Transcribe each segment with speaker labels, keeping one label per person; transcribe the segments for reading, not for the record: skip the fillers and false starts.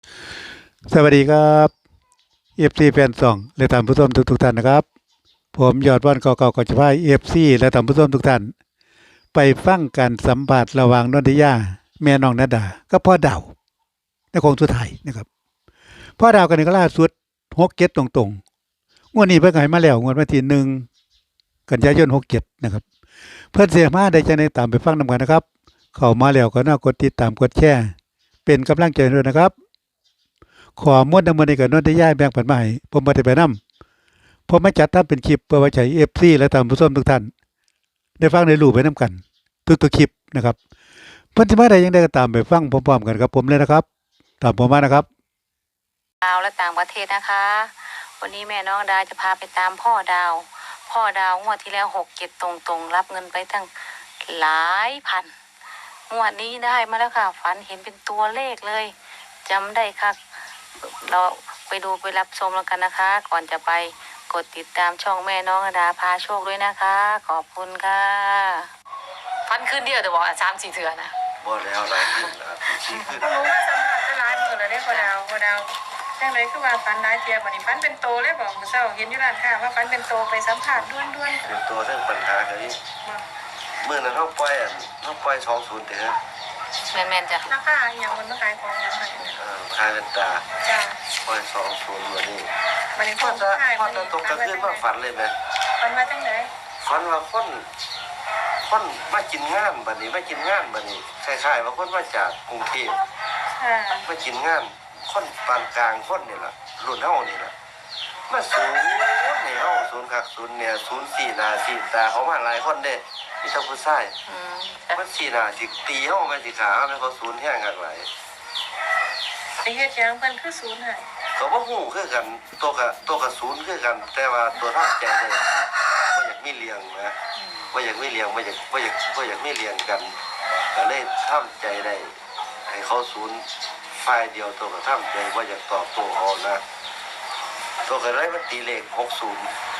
Speaker 1: สวัสดีครับเอฟซีแฟนซองและท่านผู้ชมทุกท่านนะครับผมยอดวันเก่าๆก็จะพาเอฟซีและท่านผู้ชมทุกท่านไปฟังการสัมภาษณ์ระหว่างนนทิยาแม่น้องนาดาก็พ่อดาวในโคงสุดท้ายนะครับพ่อดาวกันนี่ก็ล่าสุด6-7ตรงๆงวดนี้เพิ่งให้มาแล้วงวดวันที่1 กันยายน67นะครับเพิ่นเสียมาได้จังได๋ตามไปฟังนำกันนะครับเข้ามาแล้วก็น่ากดติดตามกดแชร์เป็นกำลังใจด้วยนะครับขอมวดนำมื้อนี้ก็นนทิยาแบ่งปันมาให้ผมบ่ได้ไปนำ ผมมาจัดทำเป็นคลิปเพื่อไว้ใช้เอฟซีและท่านผู้ชมทุกท่านได้ฟังได้รู้ไปน้ำกันทุกๆคลิปนะครับเพิ่นสิมาได้ยังได้ก็ตามไปฟังพร้อมๆกันครับผมเลยนะครับตามผมมานะครับ
Speaker 2: ดาวและต่างประเทศนะคะ วันนี้แม่น้องดาวจะพาไปตามพ่อดาว พ่อดาวงวดที่แล้ว6-7ตรงๆรับเงินไปตั้งหลายพันงวดนี้ได้มาแล้วค่ะฝันเห็นเป็นตัวเลขเลยจำได้ค่ะเราไปดูไปรับชมแล้วกันนะคะ ก่อนจะไปกดติดตามช่องแม่น้องดาพาโชคด้วยนะคะ ขอบคุณค่ะฟันขึ้นเดียวแต่บอก3-4เถื่อนะ
Speaker 3: บ่แล้วหลายขึ้นแล้วสี่ขึ้น
Speaker 4: ผมว่าสัมผัสจะร้ายมือเลยได้พอดาวจังไรคือว่าฟันร้ายเทียบวันนี้ฟันเป็นโตเลยบอกมือเศร้าเห็นอยู่ร้านค้าว่าฟันเป็นโตไปสัมผัสด้วน
Speaker 3: เป็นตัวเรื่องปัญหากันนี่เมื่อนั้นเขาปล่อย20เด้อ
Speaker 2: แม่นจ้ะ
Speaker 4: ราคาอย่างมันมาขายของอย่างไร
Speaker 3: ขายเป็นตา
Speaker 4: จ้า
Speaker 3: ปล่อย20วันนี้
Speaker 4: วันนี้
Speaker 3: พ่อจะตกกระขึ้นว่าฝันเลยไหม
Speaker 4: ฟันมาจังไหน
Speaker 3: ฝันว่าคนมากินงานบัดนี้มากินงานบัดนี้คล้ายๆว่าคนมาจากกรุงเทพมากินงานคนปานกลางคนนี่แหละรุ่นเฮานี่แหละมาศูนย์นี่เฮาศูนย์คักศูนย์เนี่ยศูนย์4 หน้า4 ตาเขามาหลายคนเด้มีทั้งผู้ชายมัน4 หน้าสิตีเฮาแม่นสิขาแม่นเขาศูนย์แห้งคักหลาย
Speaker 4: ไอ้เฮ็ดหยังเพิ่นคือศูนย์ให้
Speaker 3: ก็บ่ฮู้คือกันตัวกศูนย์คือกันแต่ว่าตัวทำใจได้บ่อยากมีเลี้ยงนะบ่อยากมีเลี้ยงบ่อยากมีเลี้ยงกันก็เลยทำใจได้ให้เขาศูนย์ฝ่ายเดียวตัวก็ทำใจบ่อยากตอบโต้เขานะตัวก็เลยมันตีเลข60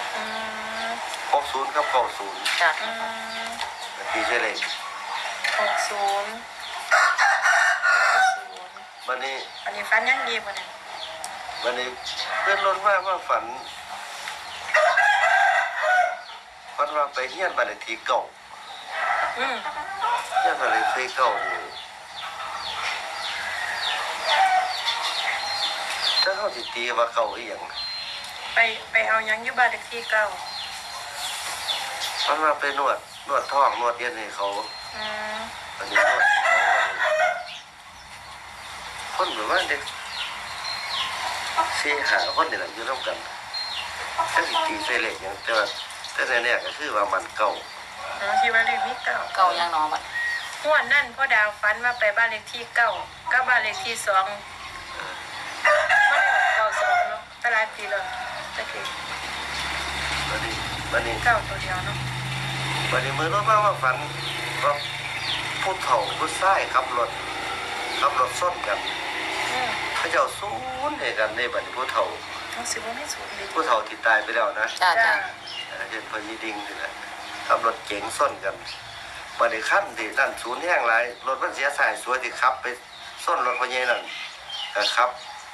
Speaker 3: กับ90
Speaker 2: จ้ะ
Speaker 3: ตีใช่เลข
Speaker 4: 60
Speaker 3: วันนี้
Speaker 4: ฟันยังดีบ่เนี่ย
Speaker 3: วันนี้เพื่อนล้นว่าฝันว่าไปเฮียนบ้านเลขที่เก่าเฮียนบ้านเลขที่เก่านี่ถ้าเขาสิตีว่าเก่าอีหยัง
Speaker 4: ไปเอายังอยู่บ้านเลขที่เก่า
Speaker 3: มันมาไปนวดท้องนวดเย็นให้เขาอันนี้นวดคนแบบว่าเด็ก4-5คนนี่แหละอยู่ร่วมกันถ้าสิตีใส่เลขอย่างแต่เนี่ยก็คือว่ามันเก่า
Speaker 4: ที่บ้านเลขที่
Speaker 2: เก่ายังนอบัด
Speaker 4: งวดนั่นพ่อดาวฝันว่าไปบ้านเลขที่9กับบ้านเลขที่2บ่ได้92เนาะตลาดปีเลยตะกี้
Speaker 3: วันนี้
Speaker 4: 9ตัวเดียวเนาะ
Speaker 3: วันนี้มือรถว่าฝันว่าผู้เฒ่าผู้ชายขับรถส้นกันเขาเจ้าศูนย์ให้กันในบัดนี้ผู้เฒ่า
Speaker 4: สิบ่มีศูนย์ดิ
Speaker 3: ผู้เฒ่าที่ตายไปแล้วนะ
Speaker 2: จ้า
Speaker 3: เห็นพญดิ่งนี่แหละขับรถเก๋งส้นกันบัดนี้คันที่นั่นศูนย์แห้งหลายรถมันเสียสายสวยที่ขับไปส้นรถพญนั่นก็ขับ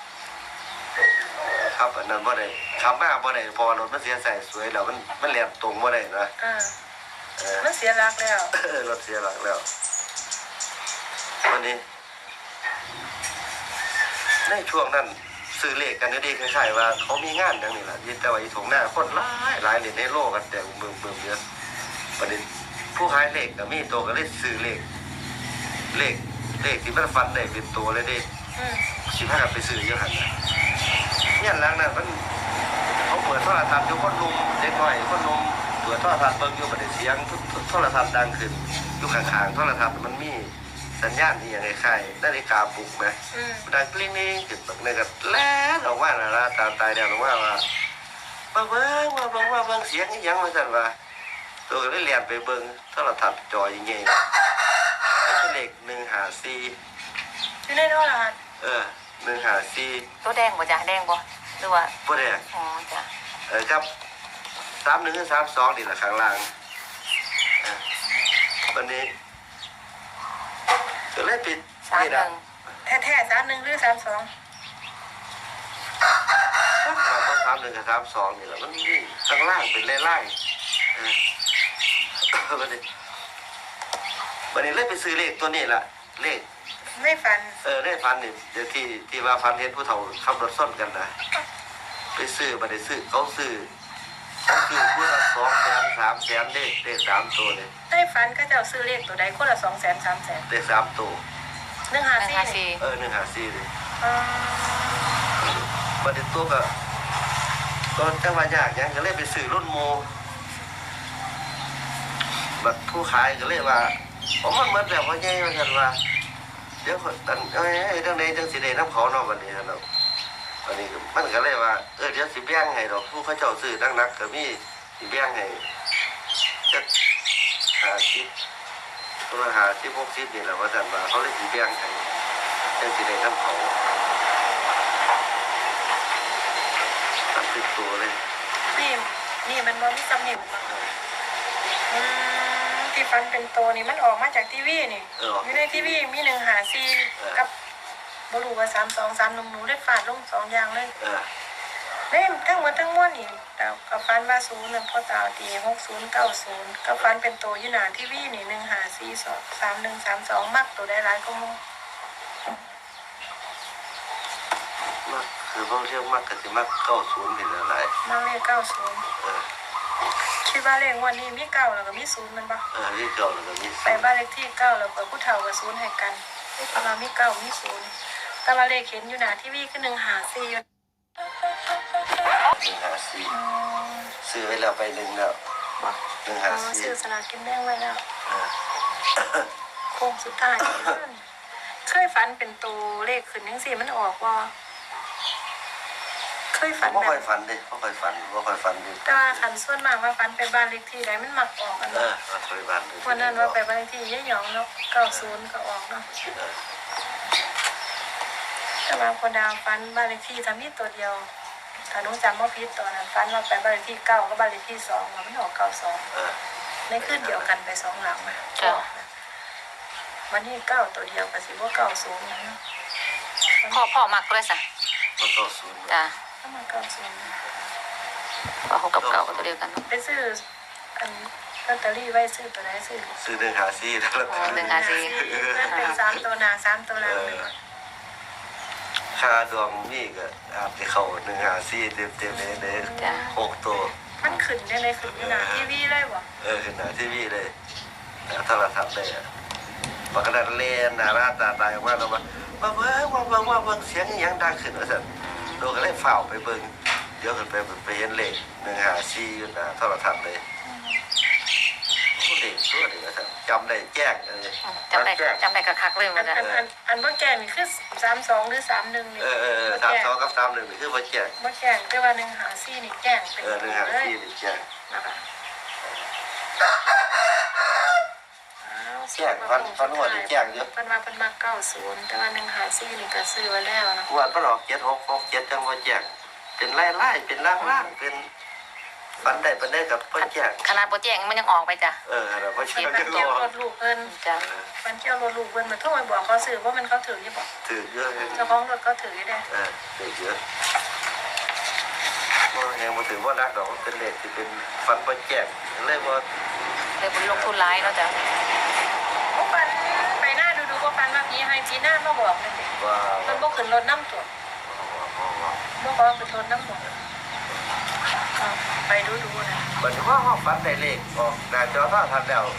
Speaker 3: อันนั้นบ่ได้ขับมาบ่ได้พอรถมันเสียสายสวยแล้วมันแล่นตรงบ่ได้นะ
Speaker 4: มันเสียหลักแล้ว
Speaker 3: รถเสียหลักแล้ววันนี้ในช่วงนั้นซื้อเลขกันดีๆคล้ายๆว่าเขามีงานอย่างนี้แหละแต่ว่าอีถงหน้าคนหลายเหรียญในโลกกันแต่เบิ่มเยอะประเด็นผู้ขายเลขก็มีตัวก็เลยซื้อเลขที่มันฟันได้เป็นตัวเลยดิ15กันไปซื้อเยอะหันเนี่ยหลังนั้นมันเขาเปิดโทรทัศน์อยู่คนนุ่มเด็กน้อยคนนุ่มเปิดโทรทัศน์เบิ่งอยู่ประเด็นเสียงโทรทัศน์ดังขึ้นอยู่ข้างๆโทรทัศน์มันมีสัญญาณที่อย่างคล้ายๆนาฬิกาปลุกไหมดังกลิ้งนี่จุดแบบนี้ก็แล้วออกมาแล้วตายแล้วออกมาว่าเบิ่งเสียงยังมาสั่นว่าตัวก็ได้เรียนไปเบิ่งโทรทัศน์จอยังไงเลข154
Speaker 4: อยู่ในโทรทัศน์
Speaker 3: 154
Speaker 2: ตัวแดงบ่จ้ะแดงบ่หรือว่า
Speaker 3: บ่แดง
Speaker 2: อ๋อจ้ะ
Speaker 3: ครับ3132นี่แหละข้างล่างวันนี้ก็เลยปิด
Speaker 4: 31แท้ๆ31หรือ32
Speaker 3: 31กับ32นี่แหละมันวิ่งข้างล่างเป็นไล่ๆวันนี้เลยไปซื้อเลขตัวนี้ล่ะเลข
Speaker 4: ไม่ฝัน
Speaker 3: ได้ฟันนี่เดี๋ยวที่ว่าฟันเห็นผู้เฒ่าขับรถซ่อนกันนะไปซื้อมาได้ซื้อเขาซื้อผู้ละ200,000 300,000เลข3ตัวเลย
Speaker 4: ได้ฝันก็จะเอาซื้อเลขตัวใดคนละ200,000 300,000
Speaker 3: เลข3ตัว
Speaker 4: 154
Speaker 3: 154เลย
Speaker 4: อ๋อ
Speaker 3: มาได้ตัวก็ตอนจังหวะยากยังก็เลยไปซื้อรุ่นโมบัดผู้ขายก็เลยว่าผมมันเหมือนแบบว่าใหญ่เหมือนกันว่าเดี๋ยวกันเรื่องใดจังสิได้น้ำเขาเนาะวันนี้ครับวันนี้มันก็เลยว่าเดี๋ยวสิแบ่งให้ดอกผู้เขาเจ้าซื้อนักๆก็มีสิแบ่งให้จัก50ตัว50 60นี่แหละว่าซั่นว่าเขาเลยสิแบ่งให้จังสิได้น้ำเขาตัดติดตัวเลย
Speaker 4: นี่มันบ่มีตำหนิที่ฝันเป็นตัวนี่มันออกมาจากทีวีนี่อยู่ในทีวีมี154กับบรู้ว่า323หนูได้ฟาดลง2อย่างเลยได้ทั้งหมดทั้งมวลนี่กับฟันว่า0นั่นพ่อตาตี6090กับฟันเป็นตัวอยู่หน้าทีวีนี่1543132มักตัวได้หลายก็มู
Speaker 3: มักคือพวกเรียกมักก็สิมัก90นี่แหละหลาย
Speaker 4: มักเลข90คิดว่าเลขงวันนี้มี9แล้วก็มี0มันบ่
Speaker 3: นี่เก่าแล้วก็มี
Speaker 4: ไปบ้านเลขที่9แล้วก็ผู้เฒ่ากับ0ให้กันแต่ว่ามี9มี0แต่ว่าเลขเห็นอยู่หน้าทีวีคือ154อยู่
Speaker 3: 154ซื้อไว้แล้วไปหนึ่งแล้ว
Speaker 4: ซื้อ
Speaker 3: 154
Speaker 4: สลากกินแบ่งไว้แล้วโค้งสุดท้ายเคยฝันเป็นตัวเลขขึ้นจังซี่มันออกบ่เคยฝัน
Speaker 3: บ่
Speaker 4: แบ
Speaker 3: ค่อบ ยฝันเด้บ่ค่อยฝันดิ
Speaker 4: แต่ว่าคันส่วนมากว่าฝันไปบ้านเลขที่ใดมันมักออกกัน
Speaker 3: บ่
Speaker 4: เนาะ
Speaker 3: ค่อยฝัน
Speaker 4: วันนั้นว่าไปบ้านเลขที่ยายหยองเนาะ90ก็ออกเนาะแต่ว่าพอดาวฝันบ้านเลขที่ถ้ามีตัวเดียวถ้าหนูจำบ่ผิดตอนนั้นฝันว่าไปบ้านเลขที่9กับบ้านเลขที่2มันออก92ในคืนเดียวกันไป2หลังมาวันนี้9ตัวเดียวก็สิบ่90นะ
Speaker 2: พ่อมักเลยสิ
Speaker 3: มัน90
Speaker 2: จ้ะ
Speaker 4: ถ้ามา90
Speaker 2: พ่อเขากับเก่าก็ตัวเดียวกันเนาะ
Speaker 4: ไปซื้ออันลอตเตอรี่ไว้ซื้อตัวไหนซื้อ
Speaker 3: ซื้อ154แล้ว
Speaker 4: เป็น3ตัวหน้า3ตัวหลัง
Speaker 3: ค่าดวงนี่ก็อาจจะเข้า154เต็มๆเลย6ตัว
Speaker 4: มันขึ้นได้เลยขึ้นอยู่หน้าทีวีเลยบ่
Speaker 3: ขึ้นหน้าทีวีเลยโทรศัพท์เลยปกติเล่นหน้าร้านตาตายออกมาแล้วว่าเบิ่งเสียงอีหยังดังขึ้นว่าซั่นโดนก็เลยฝ้าวไปเบิ่งเดี๋ยวขึ้นไปเห็นเลข154อยู่หน้าโทรศัพท์เลยเด็กตัวเด็กว่าซั่นจำได้แจ้ง
Speaker 2: จำได้คักเลยมันนะ
Speaker 4: อันบ่แก่นี่คือ32หรือ31นี่
Speaker 3: 32กับ31นี่คือบ่แจ้ง
Speaker 4: บ่แก่แต่ว่า154นี่แก่งเป็นเลย
Speaker 3: 154นี่แจ้ง
Speaker 4: นะคะ
Speaker 3: แจ้งฟันหัวนี่แจ้งเยอะ
Speaker 4: เพิ่นว่าเพิ่นมา90แต่ว่า154นี่ก็ซื้อไว้แล้วเนาะ
Speaker 3: งวดมันออก7667จังบ่แจ้งเป็นไล่ๆเป็นล่างๆเป็นฟันได้ปานได้กับบ่แจ้ง
Speaker 2: ขนาดโปรเจกต์มันยังออกไปจ้ะ
Speaker 3: แล้วบ่แจ้ง
Speaker 4: มัน
Speaker 3: จัง
Speaker 4: เกี่ยว
Speaker 3: บ่
Speaker 4: รถลูกเพิ่น
Speaker 2: จ้ะ
Speaker 4: มันเกี่ยวรถลูกเพิ่นมาโทรไปบอกเขาซื้อว่ามันเขาถืออยู่บ่
Speaker 3: ถือเยอะ
Speaker 4: เจ้าของรถเขาถืออยู่เด้
Speaker 3: ถือเยอะบ่ยังบ่ถือว่านักดอกเป็นเลขที่เป็นฟันบ่แจ้งเลยบ่
Speaker 2: เลยบุญลงทุนร้ายเนาะจ้ะ
Speaker 4: บ่ฟันไปหน้าดูบ่ฟันว่าพี่ให้พี่หน้ามาบอกนั่นสิ
Speaker 3: ว่า
Speaker 4: มันบ่ขึ้นรถน้ำตัวบ่ขอขึ้นรถน้ำบ่ไปดูนะ
Speaker 3: บัดนี้ว่าฟันได้เลขออกหน้าจอโทรทัศน์แล้ว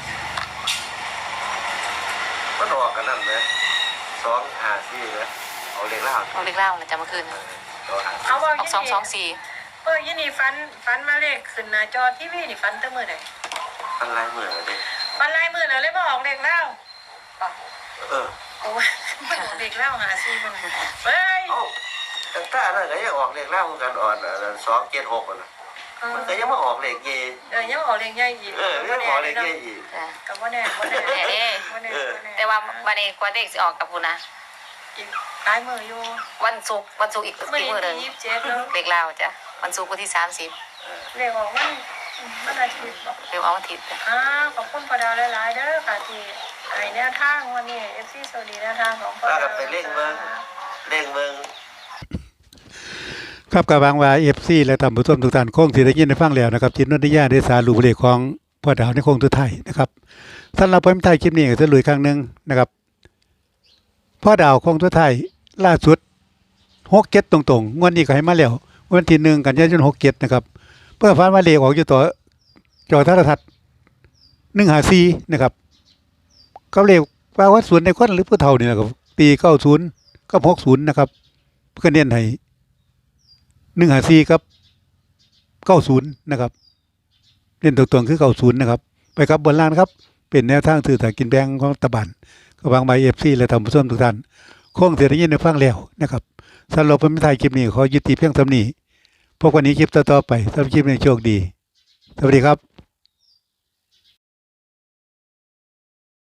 Speaker 3: มันออกกันนั่นเลย254นะเอาเลขล่าง
Speaker 2: เอาเล็กเล่านะจ้ะเมื่อคืน
Speaker 4: เอาว่า
Speaker 2: ออก224
Speaker 4: ยี่นี่ฟันมาเลขขึ้นหน้าจอทีวีนี่ฟันแต่มื้อใด
Speaker 3: อะไรเหมือนกันดิ
Speaker 4: ฟันลายมื้อแล้วเลยบ่ออกเลขแล้ว โอ้ยไม่ออกเลขแล้วหาซี่เพิ่นเฮ้ย
Speaker 3: ตั้งแต่นั้นก็ยังออกเลขล่างกันอ่อน276นะมันก็ยังมาออกเลขเย
Speaker 4: ยังออกเลขใหญ่อีก
Speaker 3: ยังออกเลขเยอีก
Speaker 2: จ้ะ
Speaker 4: ก็บ่แน่บ่แน่
Speaker 2: แน่ แต่ว่าวันนี้กว่าเด็กสิออกกับคุณนะ
Speaker 4: อีกหลายมื้ออยู่
Speaker 2: วันศุกร์อีก
Speaker 4: มื้อ
Speaker 2: มื้อหนึง
Speaker 4: นี้27แล้ว
Speaker 2: เล็กเล่าจ้ะวันศุกร์วันที่30
Speaker 4: เลขออกมันอาทิตย์บ่
Speaker 2: เร็วเอาอาทิตย์จ้ะ
Speaker 4: ขอบคุณพ่อดาวหลายๆเด้อค่ะที่ให้แนวทางวันนี้ FC สวัสดีแนวทางของพ่อดาว
Speaker 3: ไปเร่งเบิ่ง
Speaker 1: ครับกระวังว่า FC และท่านผู้ชมทุกท่านคงสิได้ยินได้ฟังแล้วนะครับจิตนนทิยาได้สารุปเลขของพ่อดาวในโค้งสุดท้ายนะครับสำหรับผมท้ายคลิปนี้ก็จะลุยครั้งหนึงนะครับพ่อดาวโค้งสุดท้ายล่าสุด67ตรงๆงวดนี้ก็ให้มาแล้ววันที่1กันยายน67นะครับเพื่อฝันว่าเลขออกอยู่ต่อจอโทรทัศน์154นะครับก็เลขว่าวัดสวนในคนหรือผู้เฒ่านี่แหละครับตี90กับ60นะครับเพื่อเน้นให้154กับ90นะครับเล่นตรงๆคือ90นะครับไปครับบนล่างนะครับเป็นแนวทางสื่อสารกินแบงของรัฐบาลก็วางใบ FC และท่านผู้ชมทุกท่านคงสิได้ยินได้ฟังแล้วนะครับสำหรับผมถ่ายคลิปนี้ขอยุติเพียงเท่านี้พบกันในคลิปต่อๆไปสำหรับคลิปนี้โชคดีสวัสดีครับ